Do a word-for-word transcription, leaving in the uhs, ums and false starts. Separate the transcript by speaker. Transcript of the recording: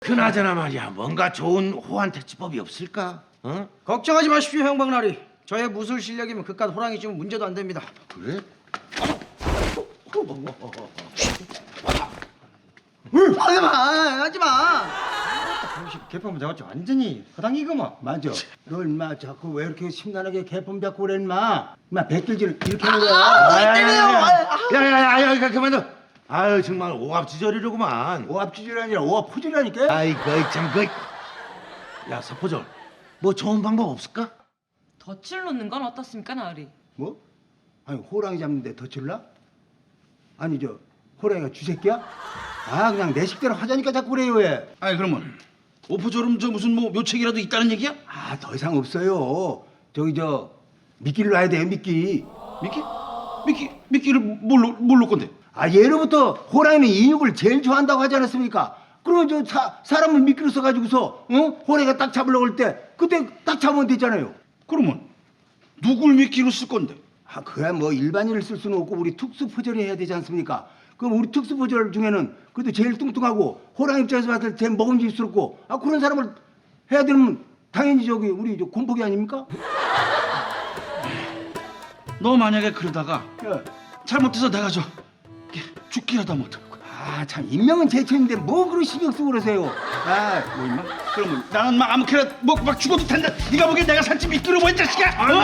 Speaker 1: 그나저나 말이야, 뭔가 좋은 호환 퇴치법이 없을까? 어?
Speaker 2: 걱정하지 마십시오, 형박나리. 저의 무술 실력이면 그깟 호랑이 쯤은 문제도 안 됩니다.
Speaker 1: 그래?
Speaker 2: 하지 마, 하지 마.
Speaker 3: 개판 잡았지 완전히 허당이구만.
Speaker 4: 맞아. 너 인마 자꾸 왜 이렇게 심란하게 개품 잡고 그래 인마. 인마 백길질 이렇게 하는 거야.
Speaker 1: 야야야야, 그만둬. 아유 정말 오합지졸이로구만.
Speaker 4: 오합지졸이 아니라 오합포졸이라니까.
Speaker 1: 아이고 참 그. 야 서포졸, 뭐 좋은 방법 없을까?
Speaker 5: 덫을 놓는 건 어떻습니까, 나으리?
Speaker 4: 뭐? 아니 호랑이 잡는데 덧칠라? 아니 저 호랑이가 쥐새끼야? 아 그냥 내 식대로 하자니까 자꾸 그래요 왜?
Speaker 6: 아니 그러면 오포졸음 저 무슨 뭐 묘책이라도 있다는 얘기야?
Speaker 4: 아 더 이상 없어요. 저기 저 미끼를 놔야 돼요 미끼.
Speaker 6: 미끼? 미끼? 미끼를 뭘로 뭘로 건데?
Speaker 4: 아 예로부터 호랑이는 인육을 제일 좋아한다고 하지 않았습니까? 그러면 저 사, 사람을 미끼로 써가지고서 어? 호랑이가 딱 잡으려고 할 때 그때 딱 잡으면 되잖아요.
Speaker 6: 그러면 누굴 미끼로 쓸 건데?
Speaker 4: 아 그야 뭐 일반인을 쓸 수는 없고 우리 특수포졸이 해야 되지 않습니까? 그럼 우리 특수포졸 중에는 그래도 제일 뚱뚱하고 호랑이 입장에서 봤을 때 제일 먹음직스럽고 아 그런 사람을 해야 되면 당연히 저기 우리 저 곰포기 아닙니까?
Speaker 6: 너 만약에 그러다가
Speaker 4: 예.
Speaker 6: 잘못해서 내가 저 죽기라도 하면 어떡할 거야?
Speaker 4: 아 참 인명은 제천인데 뭐 그런 신경 쓰고 그러세요? 아
Speaker 6: 뭐 임마? 그러면 나는 막 아무렇게나 뭐 막 죽어도 된다. 네가 보기엔 내가 살지 미끼로 뭐이 자식아?